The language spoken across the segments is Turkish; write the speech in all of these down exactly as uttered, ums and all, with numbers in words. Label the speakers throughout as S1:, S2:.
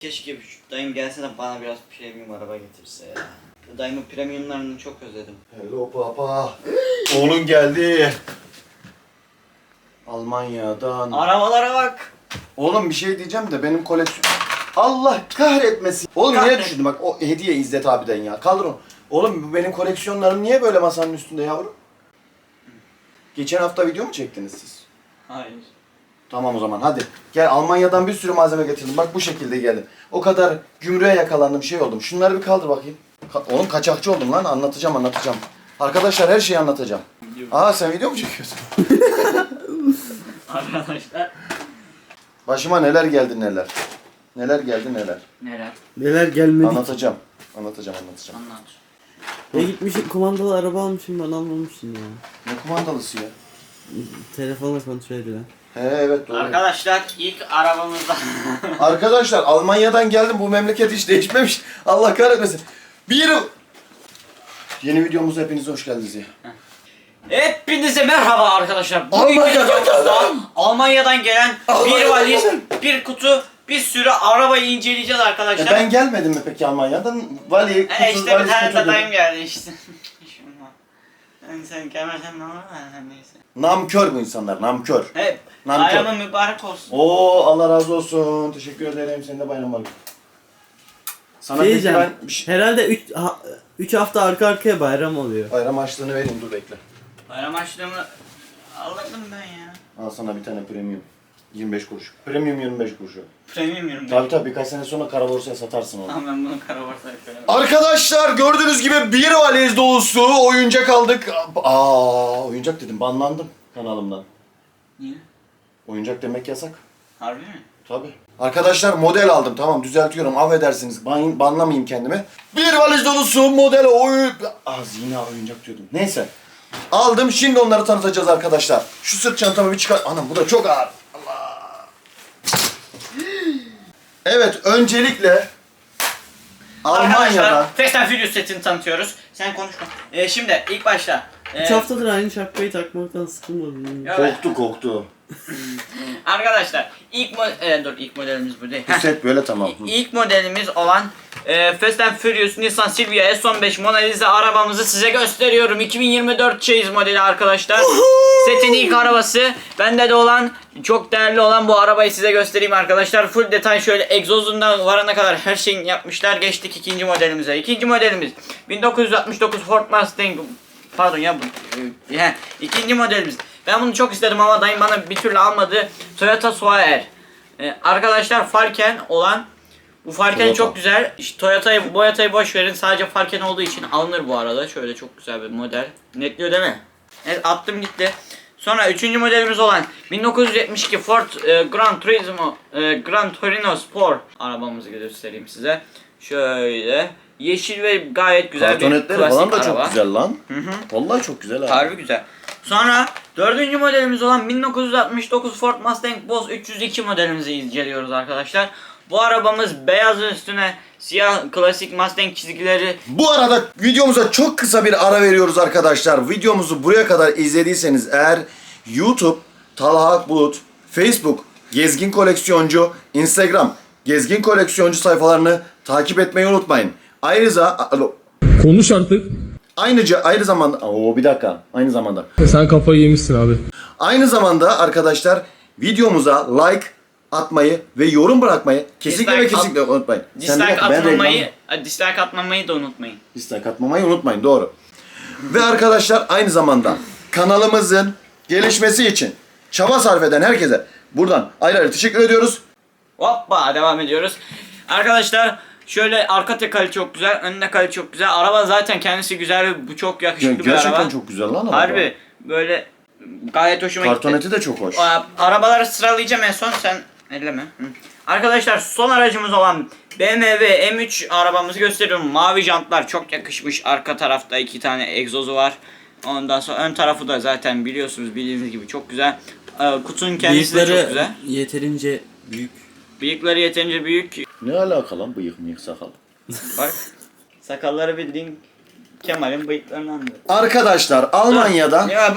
S1: Keşke dayım gelse de bana biraz premium araba getirse ya. Dayımın premiumlarını çok özledim.
S2: Hello papa. Oğlum geldi. Almanya'dan.
S1: Arabalara bak.
S2: Oğlum bir şey diyeceğim de benim koleksiyon... Allah kahretmesin. Oğlum
S1: Kahret.
S2: niye düşürdün bak o hediye İzzet abiden ya. Kaldır onu. Oğlum bu benim koleksiyonlarım niye böyle masanın üstünde yavrum? Geçen hafta video mu çektiniz siz?
S1: Hayır.
S2: Tamam o zaman hadi. Gel Almanya'dan bir sürü malzeme getirdim. Bak bu şekilde geldim. O kadar gümrüğe yakalandım şey oldum. Şunları bir kaldır bakayım. Ka- Oğlum kaçakçı oldum lan anlatacağım anlatacağım. Arkadaşlar her şeyi anlatacağım. Aa sen video mu çekiyorsun?
S1: Arkadaşlar.
S2: Başıma neler geldi neler. Neler geldi neler.
S1: Neler?
S3: Neler gelmedi.
S2: Anlatacağım. Anlatacağım anlatacağım.
S1: Anlat.
S3: Ya gitmişsin kumandalı araba almışsın bana almamışsın ya.
S2: Ne kumandalısı ya?
S3: Telefonla kontrol edilen.
S2: He evet doğru.
S1: Arkadaşlar ilk arabamızda.
S2: Arkadaşlar Almanya'dan geldim bu memleket hiç değişmemiş. Allah kahretmesin. Bir yıl. Yeni videomuza hepiniz hoş geldiniz ya.
S1: Hepinize merhaba arkadaşlar. Bugün
S2: Almanya'dan
S1: videomuzda Almanya'dan gelen bir
S2: Almanya'dan
S1: valiz,
S2: geldim.
S1: bir kutu, bir sürü arabayı inceleyeceğiz arkadaşlar.
S2: E ben gelmedim mi peki Almanya'dan? Vali, kutu,
S1: E işte bir
S2: valiz,
S1: tane
S2: kutu
S1: de
S2: dedim.
S1: dayım geldi işte. Şuna. Yani sen gelmezsen ne olur da neyse.
S2: Namkör bu insanlar, namkör.
S1: Hep
S2: Nankör.
S1: bayramın mübarek olsun.
S2: Oo Allah razı olsun. Teşekkür ederim. Senin de bayram var. Sana
S3: Şey
S2: peki
S3: diyeceğim.
S2: ben bir şey...
S3: Herhalde üç hafta arka arkaya bayram oluyor.
S2: Bayram harçlığını vereyim dur bekle.
S1: Bayram harçlığımı alırdım ben ya.
S2: Al sana bir tane premium. yirmi beş kuruş. Premium yirmi beş kuruş.
S1: Premium yorum.
S2: Tabii tabii birkaç sene sonra kara borsaya satarsın onu.
S1: Ama ben bunu kara borsaya koyarım.
S2: Arkadaşlar gördüğünüz gibi bir valiz dolusu oyuncak aldık. Aa oyuncak dedim banlandım kanalımdan.
S1: Niye?
S2: Oyuncak demek yasak.
S1: Harbi mi?
S2: Tabii. Arkadaşlar model aldım tamam düzeltiyorum affedersiniz ban, banlamayayım kendimi. Bir valiz dolusu model oyun... Az yine oyuncak diyordum. Neyse. Aldım şimdi onları tanıtacağız arkadaşlar. Şu sırt çantamı bir çıkar. Anam bu da çok ağır. Allah. Evet öncelikle Almanya'da...
S1: Arkadaşlar Fast and Furious setini tanıtıyoruz. Sen konuşma. Ee, şimdi ilk başta.
S3: üç
S1: E,
S3: haftadır aynı şapkayı takmaktan sıkılmadım.
S1: Ya-
S2: Koktu koktu.
S1: arkadaşlar ilk mo e, dur ilk modelimiz bu değil.
S2: Bu set böyle tamam. Hı.
S1: İlk modelimiz olan e, Fast and Furious Nissan Silvia S on beş Mona Lisa arabamızı size gösteriyorum. iki bin yirmi dört Chase modeli arkadaşlar. Setin ilk arabası. Bende de olan çok değerli olan bu arabayı size göstereyim arkadaşlar. Full detay şöyle egzozundan varana kadar her şeyini yapmışlar. Geçtik ikinci modelimize. İkinci modelimiz bin dokuz yüz altmış dokuz Ford Mustang. Pardon ya bu. E, ikinci modelimiz. Ben bunu çok istedim ama dayım bana bir türlü almadı. Toyota Soaer. Ee, arkadaşlar Falken olan bu Falken
S2: Toyota.
S1: çok güzel. İşte Toyota'yı, Boyata'yı boş verin. Sadece Falken olduğu için alınır bu arada. Şöyle çok güzel bir model. Netliyor değil mi? Evet attım gitti. Sonra üçüncü modelimiz olan bin dokuz yüz yetmiş iki Ford e, Gran Turismo e, Gran Torino Sport arabamızı göstereyim size. Şöyle yeşil ve gayet güzel bir
S2: Kartonetleri
S1: klasik
S2: falan da
S1: araba.
S2: çok güzel lan.
S1: Hı hı.
S2: Vallahi çok güzel abi.
S1: Harbi güzel. Sonra dördüncü modelimiz olan bin dokuz yüz altmış dokuz Ford Mustang Boss üç yüz iki modelimizi inceliyoruz arkadaşlar. Bu arabamız beyaz üstüne siyah klasik Mustang çizgileri.
S2: Bu arada videomuza çok kısa bir ara veriyoruz arkadaşlar. Videomuzu buraya kadar izlediyseniz eğer YouTube Talha Akbulut, Facebook Gezgin Koleksiyoncu, Instagram Gezgin Koleksiyoncu sayfalarını takip etmeyi unutmayın. Ayrıca alo,
S4: Konuş artık.
S2: Ayrıca aynı zamanda o bir dakika aynı zamanda
S4: Sen kafayı yemişsin abi.
S2: aynı zamanda arkadaşlar videomuza like atmayı ve yorum bırakmayı kesinlikle
S1: Dislike
S2: ve kesinlikle unutmayın. Sen bir
S1: Dislike
S2: dakika, ben
S1: atmamayı,
S2: reklam-
S1: dislike atmamayı da unutmayın.
S2: dislike atmamayı unutmayın doğru. Ve arkadaşlar aynı zamanda kanalımızın gelişmesi için çaba sarf eden herkese buradan ayrı ayrı teşekkür ediyoruz.
S1: Hoppa devam ediyoruz. Arkadaşlar şöyle arka tekali çok güzel, ön tekali çok güzel. Araba zaten kendisi güzel ve bu çok yakışıklı bir
S2: Gerçekten
S1: araba.
S2: çok güzel lan araba.
S1: Harbi böyle gayet hoşuma gitti.
S2: Kartoneti de çok hoş.
S1: Aa, Arabaları sıralayacağım en son sen elleme. Hı. Arkadaşlar son aracımız olan B M W M üç arabamızı gösteriyorum. Mavi jantlar çok yakışmış. Arka tarafta iki tane egzozu var. Ondan sonra ön tarafı da zaten biliyorsunuz bildiğiniz gibi çok güzel. Ee, kutunun kendisi de çok
S3: Bıyıkları
S1: güzel.
S3: yeterince büyük.
S1: Bıyıkları yeterince büyük.
S2: Ne alaka lan bıyık mıyık sakal?
S1: Bak sakalları bildiğin Kemal'in bıyıklarından da.
S2: Arkadaşlar Almanya'da
S1: Ya bu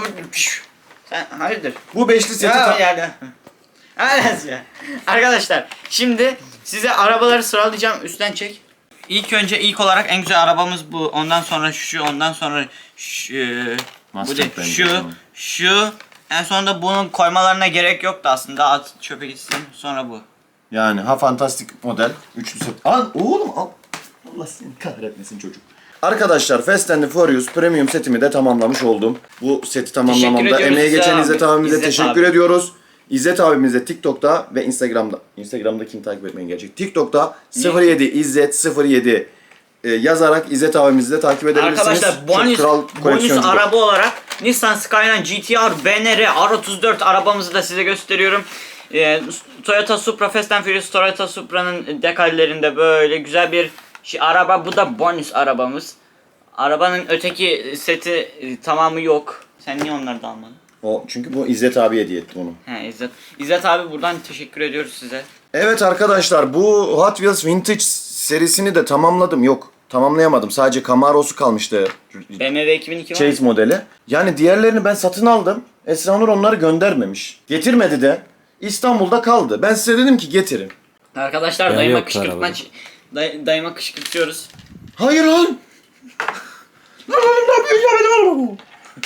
S1: sen hayırdır?
S2: bu beşli seti
S1: Ya
S2: ta-
S1: yani. Arkadaşlar şimdi Size arabaları sıralayacağım. Üstten çek. İlk önce ilk olarak en güzel arabamız bu. Ondan sonra şu, ondan sonra şu, bu
S2: Mustang
S1: değil,
S2: bence
S1: şu,
S2: tamam.
S1: şu. En sonunda bunun koymalarına gerek yoktu aslında. At çöpe gitsin. Sonra bu.
S2: Yani ha fantastik model. Üçlü set. Al oğlum al. Allah seni kahretmesin çocuk. Arkadaşlar Fast and the Furious Premium setimi de tamamlamış oldum. Bu seti tamamlamamda
S1: ediyoruz
S2: emeği
S1: İzzet
S2: geçen
S1: abi.
S2: İzzet abimize
S1: İzzet
S2: teşekkür
S1: abi.
S2: ediyoruz. İzzet abimize TikTok'ta ve Instagram'da. Instagram'da kim takip etmeyin gerçek. TikTok'ta sıfır yedi İzzet sıfır yedi e, yazarak İzzet abimizi de takip edebilirsiniz.
S1: Arkadaşlar
S2: Çok
S1: bonus,
S2: kral
S1: bonus
S2: koleksiyoncu.
S1: araba olarak Nissan Skyline G T R B N R R otuz dört arabamızı da size gösteriyorum. Ee, Toyota Supra Fast and Furious Toyota Supra'nın dekallerinde böyle güzel bir şey, araba. Bu da bonus arabamız. Arabanın öteki seti e, tamamı yok. Sen niye onları da almadın?
S2: O, çünkü bu İzzet abi hediye etti onu.
S1: He İzzet. İzzet abi buradan teşekkür ediyoruz size.
S2: Evet arkadaşlar bu Hot Wheels Vintage serisini de tamamladım. Yok tamamlayamadım. Sadece Camaro'su kalmıştı.
S1: B M W iki bin iki var.
S2: Chase modeli. Yani diğerlerini ben satın aldım. Esra Nur onları göndermemiş. Getirmedi de. İstanbul'da kaldı. Ben size dedim ki getirin.
S1: Arkadaşlar
S3: Ya
S1: dayıma
S3: yok
S1: kışkırtma
S3: arabada.
S1: day, dayıma kışkırtıyoruz.
S2: Hayır lan. Lan oğlum ne yapıyorsun ya benim arabamı?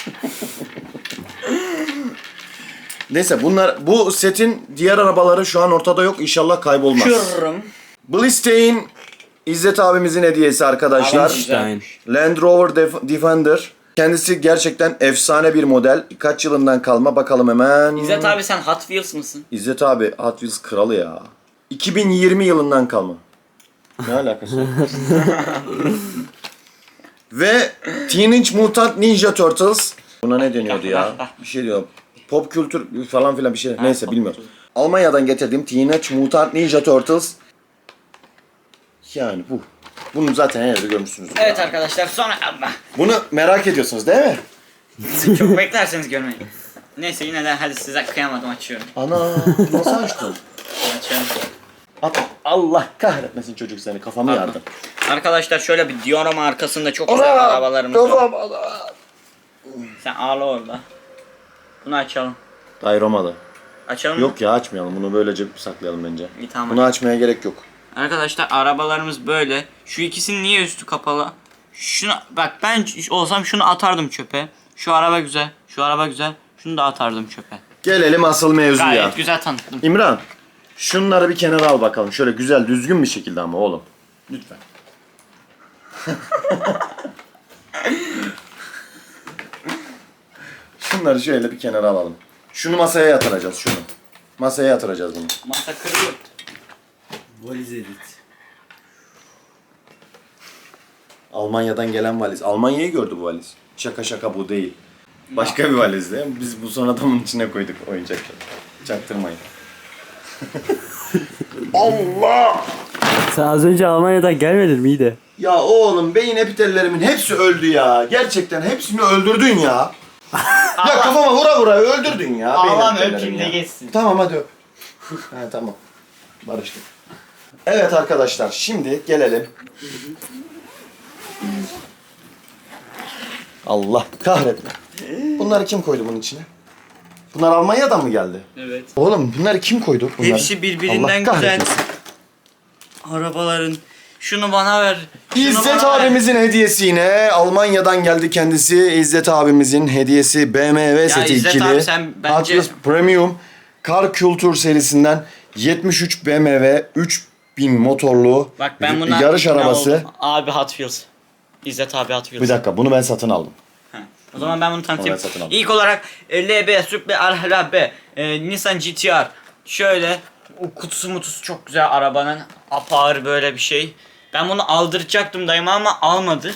S2: Neyse bunlar bu setin diğer arabaları şu an ortada yok. İnşallah kaybolmaz.
S1: Kırım.
S2: Blistein İzzet abimizin hediyesi arkadaşlar.
S3: Stein.
S2: Land Rover Def- Defender. Kendisi gerçekten efsane bir model. Kaç yılından kalma bakalım hemen.
S1: İzzet abi sen Hot Wheels mısın?
S2: İzzet abi Hot Wheels kralı ya. iki bin yirmi yılından kalma. Ne alakası var? Ve Teenage Mutant Ninja Turtles. Buna ne deniyordu ya? Bir şey diyor. Pop kültür falan filan bir şey. Neyse
S1: pop
S2: bilmiyorum.
S1: kültür.
S2: Almanya'dan getirdiğim Teenage Mutant Ninja Turtles. Yani bu. Bunu zaten her yerde görmüşsünüz.
S1: Evet arkadaşlar sonra ama
S2: Bunu merak ediyorsunuz değil mi?
S1: çok beklerseniz görmeyin. Neyse yine de hadi size kıyamadım açıyorum.
S2: Ana nasıl açtın?
S1: Açıyorum.
S2: At. Allah kahretmesin çocuk seni kafamı
S1: Pardon.
S2: yardı.
S1: Arkadaşlar şöyle bir Diorama arkasında çok güzel arabalarımız var.
S2: Kafam ana.
S1: Sen ağla orada. Bunu açalım.
S2: Dayı Roma'da.
S1: Açalım mı?
S2: Yok ya açmayalım bunu böylece saklayalım bence.
S1: İyi, tamam.
S2: Bunu açmaya gerek yok.
S1: Arkadaşlar arabalarımız böyle. Şu ikisinin niye üstü kapalı? Şunu bak ben olsam şunu atardım çöpe. Şu araba güzel. Şu araba güzel. Şunu da atardım çöpe.
S2: Gelelim asıl mevzuya.
S1: Gayet güzel tanıttım.
S2: İmran şunları bir kenara al bakalım. Şöyle güzel düzgün bir şekilde ama oğlum. Lütfen. Şunları şöyle bir kenara alalım. Şunu masaya yatıracağız şunu. Masaya yatıracağız bunu.
S1: Masa kırıyor.
S3: Valiz edit.
S2: Almanya'dan gelen valiz. Almanya'yı gördü bu valiz. Şaka şaka bu değil. Başka bir valizdi. Biz bu son adamın içine koyduk oyuncakları. Çaktırmayın. Allah!
S3: Sen az önce Almanya'dan gelmedin mi iyi de?
S2: Ya oğlum beyin epitellerimin hepsi öldü ya. Gerçekten hepsini öldürdün ya. Ya kafama vura vura öldürdün ya. beyin
S1: Ağlam
S2: epitellerimi
S1: öpeyim de
S2: ya.
S1: geçsin.
S2: Tamam hadi öp. Ha tamam. Barıştık. Evet arkadaşlar şimdi gelelim. Allah kahretme. Bunları kim koydu bunun içine? Bunlar Almanya'dan mı geldi?
S1: Evet.
S2: Oğlum bunları kim koydu? Bunları?
S1: Hepsi birbirinden
S2: Allah
S1: güzel.
S2: kahretmesin.
S1: Arabaların. Şunu bana ver. Şunu
S2: İzzet
S1: bana ver.
S2: abimizin hediyesi yine Almanya'dan geldi kendisi. İzzet abimizin hediyesi B M W seti
S1: İzzet
S2: ikili.
S1: abi sen bence-
S2: Hot Wheels Premium Car Culture serisinden yetmiş üç B M W üç bin motorlu
S1: Bak ben
S2: bir
S1: buna
S2: yarış
S1: ikna
S2: arabası.
S1: oldum. Abi Hot Wheels. İzzet abi Hot Wheels.
S2: Bir dakika bunu ben satın aldım.
S1: Ha. O zaman ben bunu tanıtayım.
S2: Onu ben satın aldım.
S1: İlk olarak e, L B Supra Al B e, Nissan G T R. Şöyle o kutusu mutusu çok güzel arabanın. Apağır böyle bir şey. Ben bunu aldıracaktım dayıma ama almadı.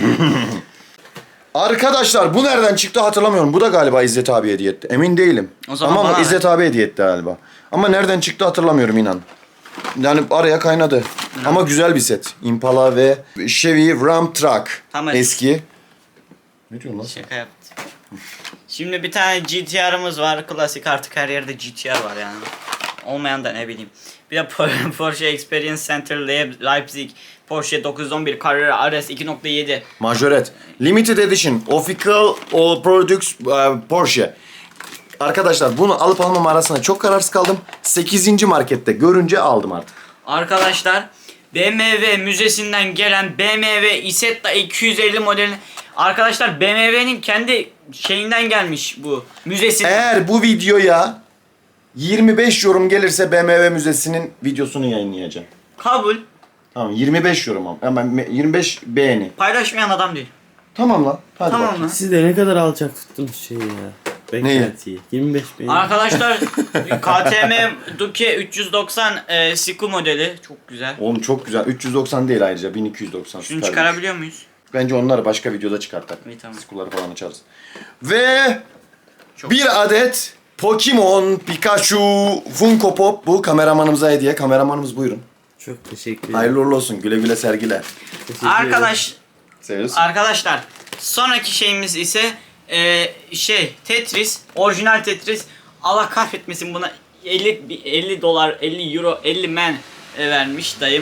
S2: Arkadaşlar bu nereden çıktı hatırlamıyorum. Bu da galiba İzzet abi hediye etti. Emin değilim.
S1: O zaman
S2: Ama
S1: bana
S2: İzzet abi hediye etti galiba. Ama nereden çıktı hatırlamıyorum inan. Yani araya kaynadı. Ama güzel bir set. Impala ve Chevy Ram Truck.
S1: Tamam.
S2: Eski. Ne diyorsun lan?
S1: Şaka yaptım. Şimdi bir tane G T R'ımız var. Klasik artık her yerde G T R var yani. Olmayan da ne bileyim. Bir de Porsche Experience Center Leipzig. Porsche dokuz yüz on bir Carrera R S iki nokta yedi.
S2: Majoret. Limited Edition. Official All Products uh, Porsche. Arkadaşlar bunu alıp almam arasında çok kararsız kaldım. sekizinci markette görünce aldım artık.
S1: Arkadaşlar B M W müzesinden gelen B M W Isetta iki yüz elli modeli. Arkadaşlar B M W'nin kendi şeyinden gelmiş bu müzesinden.
S2: Eğer bu videoya yirmi beş yorum gelirse B M W Müzesi'nin videosunu yayınlayacağım.
S1: Kabul.
S2: Tamam yirmi beş yorum ama ama yirmi beş beğeni.
S1: Paylaşmayan adam değil.
S2: Tamam lan. Hadi
S1: Tamam
S2: bakayım.
S1: lan.
S3: Siz de ne kadar alçak tuttunuz şeyi ya. Beklentiyi. yirmi beş beğeni.
S1: Arkadaşlar K T M Duke üç yüz doksan e, Siku modeli çok güzel.
S2: Oğlum çok güzel. üç yüz doksan değil ayrıca bin iki yüz doksan.
S1: Şunu
S2: süper.
S1: çıkarabiliyor muyuz?
S2: Bence onları başka videoda çıkartalım.
S1: İyi, tamam.
S2: Skull'ları falan açarız. Ve
S1: Çok
S2: bir adet Pokemon Pikachu Funko Pop bu kameramanımıza hediye. Kameramanımız buyurun.
S3: Çok teşekkür ederim.
S2: Hayırlı uğurlu olsun. Güle güle sergiler.
S3: Teşekkür
S1: Arkadaş
S2: Seviyorsun.
S1: arkadaşlar sonraki şeyimiz ise e, şey Tetris, orijinal Tetris. Allah kahretmesin, buna elli elli dolar, elli euro, elli men e, vermiş dayım.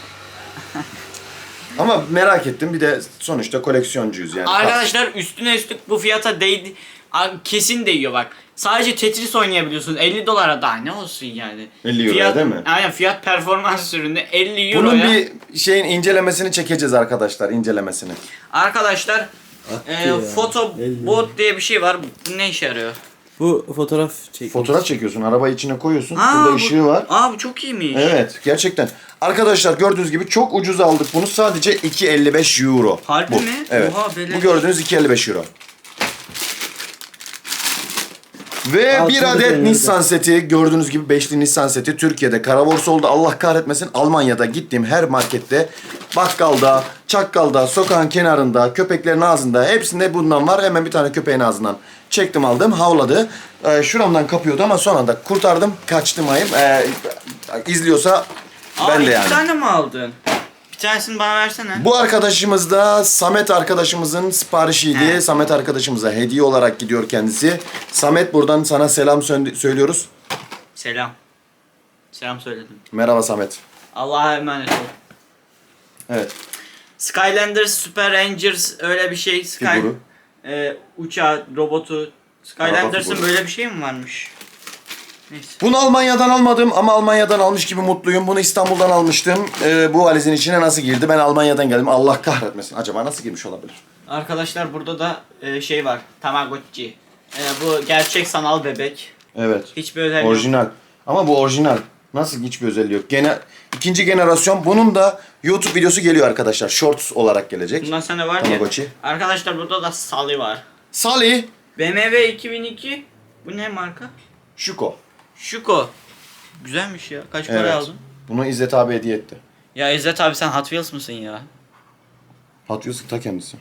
S2: Ama merak ettim. Bir de sonuçta koleksiyoncuyuz yani.
S1: Arkadaşlar üstüne üstlük bu fiyata değdi. Abi kesin değiyor bak. Sadece Tetris oynayabiliyorsun elli dolara, daha ne olsun yani.
S2: elli euroya
S1: fiyat,
S2: değil mi?
S1: Aynen, fiyat performans ürünü elli euroya.
S2: Bunun bir şeyin incelemesini çekeceğiz arkadaşlar. İncelemesini.
S1: Arkadaşlar e,
S3: ya,
S1: foto
S3: elli.
S1: bot diye bir şey var. Bu ne işe yarıyor?
S3: Bu fotoğraf çek.
S2: Fotoğraf çekiyorsun. Arabayı içine koyuyorsun.
S1: Aa,
S2: Burada
S1: bu-
S2: ışığı var.
S1: Aa bu çok iyiymiş.
S2: Evet. Gerçekten. Arkadaşlar gördüğünüz gibi çok ucuz aldık bunu. Sadece iki elli beş euro.
S1: Harbi
S2: bu.
S1: mi?
S2: Evet.
S1: Oha, beleş.
S2: Bu gördüğünüz iki elli beş euro. Ve
S3: Altın
S2: bir adet
S3: üzerinde.
S2: Nissan seti, gördüğünüz gibi beşli Nissan seti Türkiye'de kara borsa oldu. Allah kahretmesin, Almanya'da gittiğim her markette, bakkalda, çakkalda, sokağın kenarında, köpeklerin ağzında hepsinde bundan var. Hemen bir tane köpeğin ağzından çektim aldım, havladı. Ee, şuramdan kapıyordu ama son anda kurtardım, kaçtım ayım. Ee, izliyorsa
S1: Aa,
S2: ben de
S1: iki
S2: yani.
S1: tane mi aldın? Bir tanesini bana versene.
S2: Bu arkadaşımız da Samet arkadaşımızın siparişiydi.
S1: He.
S2: Samet arkadaşımıza hediye olarak gidiyor kendisi. Samet, buradan sana selam sö- söylüyoruz.
S1: Selam. Selam söyledim.
S2: Merhaba Samet.
S1: Allah'a emanet ol.
S2: Evet.
S1: Skylanders Super Rangers öyle bir şey. Sky
S2: Figürü.
S1: e, uçağı, robotu. Skylanders'ın
S2: figürü.
S1: böyle bir şey mi varmış? Neyse.
S2: Bunu Almanya'dan almadım ama Almanya'dan almış gibi mutluyum. Bunu İstanbul'dan almıştım. Ee, bu valizin içine nasıl girdi? Ben Almanya'dan geldim. Allah kahretmesin. Acaba nasıl girmiş olabilir?
S1: Arkadaşlar burada da e, şey var. Tamagotchi. E, bu gerçek sanal bebek.
S2: Evet.
S1: Hiçbir özelliği yok.
S2: Orijinal. Ama bu orijinal. Nasıl, hiçbir özelliği yok. Gene ikinci jenerasyon. Bunun da YouTube videosu geliyor arkadaşlar. Shorts olarak gelecek.
S1: Bundan sonra var ya.
S2: Tamagotchi.
S1: Arkadaşlar burada da Sally var.
S2: Sally.
S1: B M W iki bin iki. Bu ne marka?
S2: Shuko.
S1: Shuko. Güzelmiş ya. Kaç para
S2: Evet.
S1: aldın?
S2: Bunu İzzet abi hediye etti.
S1: Ya İzzet abi sen Hot Wheels mısın ya?
S2: Hot Wheels'ın ta kendisi.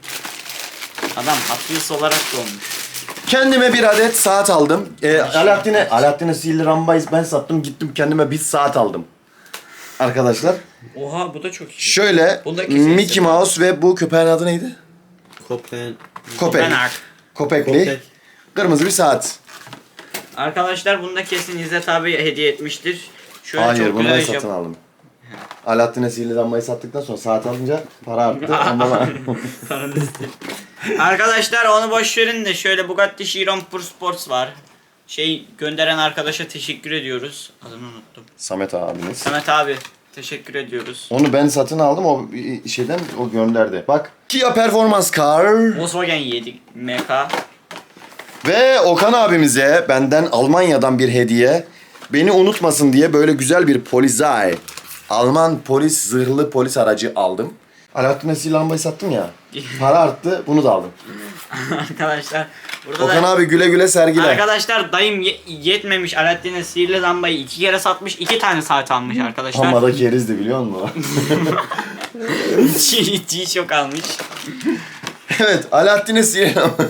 S1: Adam Hot Wheels olarak doğmuş.
S2: Kendime bir adet saat aldım. Ee, Alaaddin'e Alaaddin'e sihirli rambayı ben sattım. Gittim kendime bir saat aldım. Arkadaşlar.
S1: Oha, bu da çok iyi.
S2: Şöyle
S1: Bunda kesin
S2: Mickey
S1: isim.
S2: Mouse ve bu köpeğin adı neydi?
S3: Kopen.
S2: Köpek.
S1: Benak.
S2: Köpekli.
S3: Köpek.
S2: Kırmızı bir saat.
S1: Arkadaşlar bunu da kesin İzzet abi hediye etmiştir. Şöyle
S2: Hayır,
S1: çok
S2: bunu
S1: güzel
S2: ben
S1: iş yap-
S2: satın aldım. Alaaddin'e sihirli lambayı sattıktan sonra saat alınca para arttı. Ondan
S1: Paranı istedim. Arkadaşlar onu boş verin de şöyle Bugatti Chiron Pur Sports var. Şey gönderen arkadaşa teşekkür ediyoruz. Adını unuttum.
S2: Samet abimiz.
S1: Samet abi teşekkür ediyoruz.
S2: Onu ben satın aldım, o şeyden o gönderdi. Bak. Kia Performance Car.
S1: Volkswagen yedi M K.
S2: Ve Okan abimize benden Almanya'dan bir hediye. Beni unutmasın diye böyle güzel bir Polizei. Alman polis, zırhlı polis aracı aldım. Alaaddin'e sihirli lambayı sattım ya. Para arttı, bunu da aldım.
S1: Arkadaşlar burada
S2: Okan
S1: da
S2: abi güle güle sergiler.
S1: arkadaşlar dayım ye- yetmemiş, Alaaddin'e sihirli lambayı iki kere satmış, iki tane saat almış arkadaşlar.
S2: Ama da kerizdi biliyor musun?
S1: Çiğ çok almış.
S2: Evet, Alaaddin'e sihirli lamba.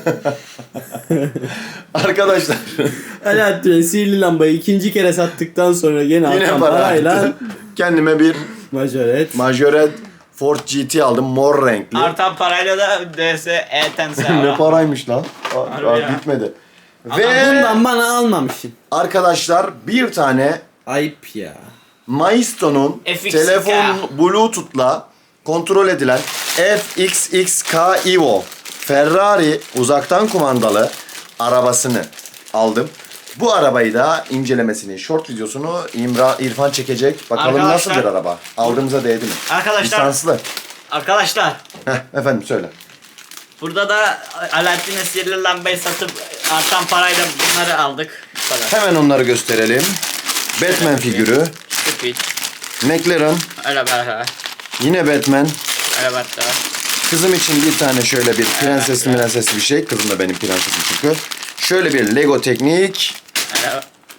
S2: Arkadaşlar
S3: Alaaddin'e sihirli lambayı ikinci kere sattıktan sonra yine,
S2: yine
S3: artan
S2: para
S3: parayla
S2: arttı. Kendime bir
S3: majoret.
S2: Majoret Ford G T aldım, mor renkli.
S1: Artan parayla da D S E tense
S2: Ne paraymış lan? Aa,
S1: Harbi
S2: aa,
S1: ya.
S2: bitmedi.
S1: Adam
S2: Ve
S3: Bundan bana almamışsın.
S2: arkadaşlar bir tane
S3: Ayıp ya.
S2: Maisto'nun
S1: F X K.
S2: telefon Bluetooth'la kontrol edilen F X X K Evo Ferrari uzaktan kumandalı arabasını aldım. Bu arabayı da incelemesini, short videosunu İmra, İrfan çekecek. Bakalım
S1: Arkadaşlar-
S2: nasıl bir araba? Aldığımıza değdi mi?
S1: Arkadaşlar-
S2: Lisanslı.
S1: Arkadaşlar
S2: Heh, efendim söyle.
S1: burada da Alaaddin'e sihirli lambayı satıp artan parayla bunları aldık. Bu kadar.
S2: Hemen onları gösterelim. Batman figürü,
S1: Stupid.
S2: McLaren,
S1: Öyle böyle.
S2: yine Batman.
S1: Öyle böyle.
S2: Kızım için bir tane şöyle bir prensesli prensesli bir şey. Kızım da benim prensesim çünkü. Şöyle bir Lego Teknik.
S1: Öyle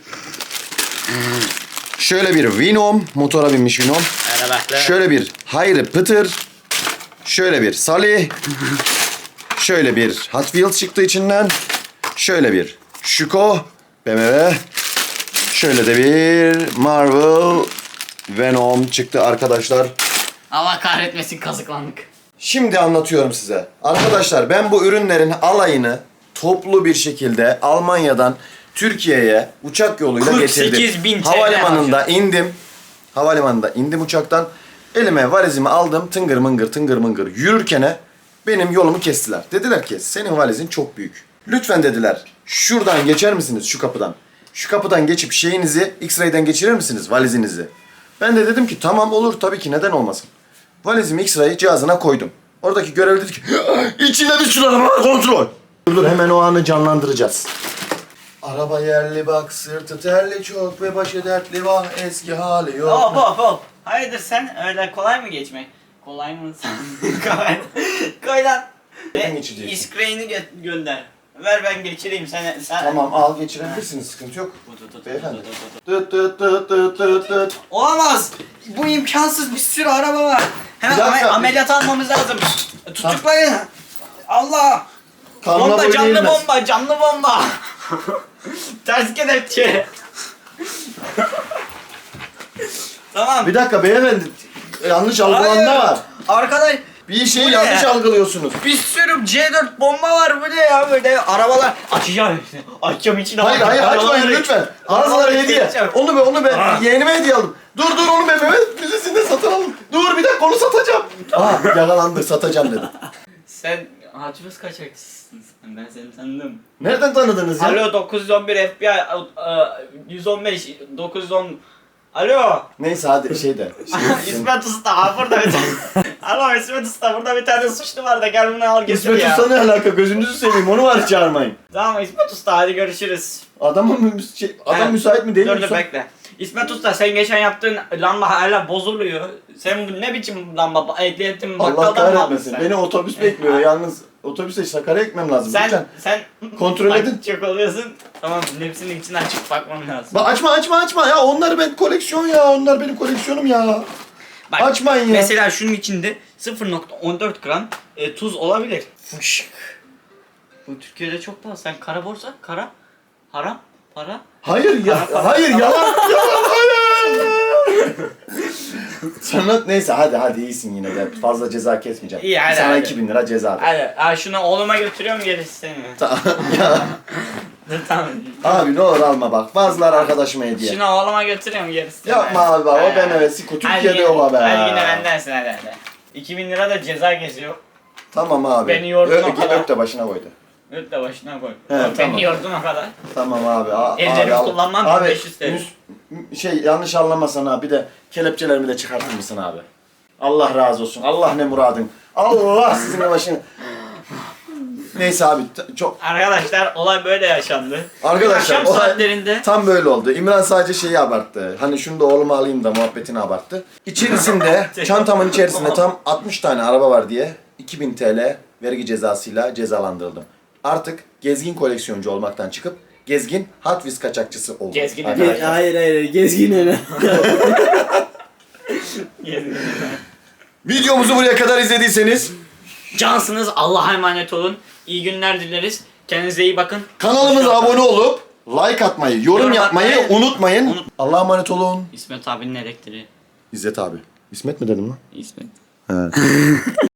S2: Şöyle bir Venom. Motora binmiş Venom.
S1: öyle böyle.
S2: Şöyle bir Hayri Pıtır. Şöyle bir Salih. Şöyle bir Hot Wheels çıktı içinden. Şöyle bir Şuko. B M W. Şöyle de bir Marvel Venom çıktı arkadaşlar.
S1: Allah kahretmesin, kazıklandık.
S2: Şimdi anlatıyorum size. Arkadaşlar ben bu ürünlerin alayını toplu bir şekilde Almanya'dan Türkiye'ye uçak yoluyla
S1: kırk sekiz
S2: getirdim.
S1: bin T L
S2: Havalimanında indim. Havalimanında indim uçaktan. Elime valizimi aldım. Tıngır mıngır tıngır mıngır yürürkene benim yolumu kestiler. Dediler ki senin valizin çok büyük. Lütfen dediler şuradan geçer misiniz şu kapıdan? Şu kapıdan geçip şeyinizi X-ray'den geçirir misiniz valizinizi? Ben de dedim ki tamam olur tabii ki neden olmasın. Valizimi X-ray cihazına koydum. Oradaki görevli dedi ki içinde bir sürü araba var kontrol. Dur dur hemen o anı canlandıracağız. Araba yerli bak sırtı terli çok ve başı dertli vah eski hali yok.
S1: Hop hop hop. Hayırdır sen öyle kolay mı geçmek? Kolay mı sen? kolay. Koy lan.
S2: Ben geçeceksin.
S1: İskreyini gö- gönder. Ver ben geçireyim sen. sen...
S2: Tamam al geçirebilirsiniz sıkıntı yok.
S1: Tut, tut,
S2: Beyefendi.
S1: tut, tut, tut.
S2: Tıt tıt tıt tıt tıt tıt.
S1: Olamaz. Bu imkansız, bir sürü araba var. Hemen
S2: Bir dakika,
S1: ame-
S2: bir-
S1: ameliyat almamız lazım. Tutuklayın. Allah.
S2: Kanla
S1: Bomba,
S2: boyun
S1: canlı
S2: eğilmez.
S1: bomba, canlı bomba. Ters kelepçe. Tamam.
S2: Bir dakika beyefendi. Yanlış algılanma
S1: Hayır.
S2: var.
S1: Arkadaş
S2: Bir şeyi
S1: Bu ne?
S2: yanlış algılıyorsunuz.
S1: bir sürü C dört bomba var, bu ne ya böyle arabalar. Açacağım hepsini. Açacağım içine.
S2: Hayır hayır açmayın lütfen. Bazıları hediye.
S1: geçeceğim.
S2: Onu be onu be.
S1: Ah.
S2: Yeğenime hediye aldım. Dur dur onu be Mehmet Müzesi'nde satın aldım. Dur bir dakika onu satacağım. Aa yakalandık satacağım dedim.
S1: Sen hacımız kaçakçısın sen, ben seni tanıdım.
S2: Nereden tanıdınız ya?
S1: Alo dokuz yüz on bir F B I, e, yüz on beş, dokuz yüz on. Alo.
S2: Neyse hadi şey de. Şey,
S1: İsmet Usta, ha burada bir tane. Alo İsmet Usta, burada bir tane suçlu var da gel bunu al getir
S2: İsmet
S1: ya.
S2: Usta ne alaka gözünüzü seveyim onu var çağırmayın.
S1: Tamam İsmet Usta, hadi görüşürüz.
S2: Adamın mü, şey, adam
S1: Evet.
S2: müsait mi değil
S1: Dur
S2: mi?
S1: dur bekle. İsmet Usta, sen geçen yaptığın lamba hala bozuluyor. Sen bu ne biçim lamba? Ehliyetin
S2: Allah
S1: bakkaldan mı aldın
S2: kahretmesin.
S1: sen?
S2: Beni otobüs bekliyor. Yalnız otobüse Sakarya'ya gitmem lazım.
S1: Sen,
S2: Lütfen.
S1: sen
S2: Kontrol
S1: bak,
S2: edin.
S1: Çok oluyorsun. Tamam, hepsinin içinden çıkıp bakmam lazım.
S2: Bak açma açma açma ya onlar ben koleksiyon ya onlar benim koleksiyonum ya.
S1: Bak,
S2: Açmayın ya.
S1: mesela şunun içinde sıfır nokta on dört gram e, tuz olabilir. Fışk. Bu Türkiye'de çok pahalı. Sen kara borsa, kara, haram, para.
S2: Hayır ya
S1: Para, para,
S2: hayır
S1: para.
S2: yalan yalan hayır. Sana neyse hadi hadi iyisin yine gel fazla ceza kesmeyeceğim.
S1: İyi, hadi,
S2: Sana
S1: hadi.
S2: iki bin lira ceza.
S1: Hadi, ha, şunu oğluma götürüyorum, gerisi senin.
S2: Tamam ya.
S1: Dur, tamam.
S2: Abi ne olur alma bak bazıları arkadaşıma hediye.
S1: Şunu oğluma götürüyorum, gerisi senin.
S2: Yapma abi bak o
S1: Ha.
S2: B M W'si Türkiye'de
S1: Hadi
S2: o be.
S1: Hadi yine bendensin hadi hadi. iki bin lira da ceza kesiyor.
S2: Tamam abi.
S1: Beni yordun
S2: Ö-
S1: o kadar.
S2: Öp de başına koydu.
S1: Öt de başına koy.
S2: He,
S1: Bak,
S2: tamam.
S1: Beni yordun o kadar.
S2: Tamam abi. A-
S1: Ellerimi
S2: al.
S1: kullanmam,
S2: Abi,
S1: beş yüz T L.
S2: müs- şey yanlış anlamasan abi bir de kelepçelerimi de çıkartır mısın abi? Allah razı olsun. Allah ne muradın. Allah sizin başını. Neyse abi t- çok
S1: Arkadaşlar olay böyle yaşandı.
S2: Arkadaşlar
S1: Akşam
S2: olay
S1: saatlerinde
S2: tam böyle oldu. İmran sadece şeyi abarttı. Hani şunu da oğluma alayım da muhabbetini abarttı. İçerisinde çantamın içerisinde tam altmış tane araba var diye iki bin T L vergi cezasıyla cezalandırıldım. Artık gezgin koleksiyoncu olmaktan çıkıp gezgin Hot Wheels kaçakçısı oldum.
S1: Gezgin
S2: Arkadaşlar.
S3: Ge- hayır hayır gezgin ne?
S2: Videomuzu buraya kadar izlediyseniz
S1: cansınız, Allah'a emanet olun. İyi günler dileriz. Kendinize iyi bakın.
S2: kanalımıza abone olup like atmayı, yorum,
S1: Yorum
S2: yapmayı
S1: atmayı
S2: unutmayın.
S1: unut-
S2: Allah'a emanet olun.
S1: İsmet abinin elektriği.
S2: İzzet abi. İsmet mi dedim lan?
S1: İsmet.
S2: He.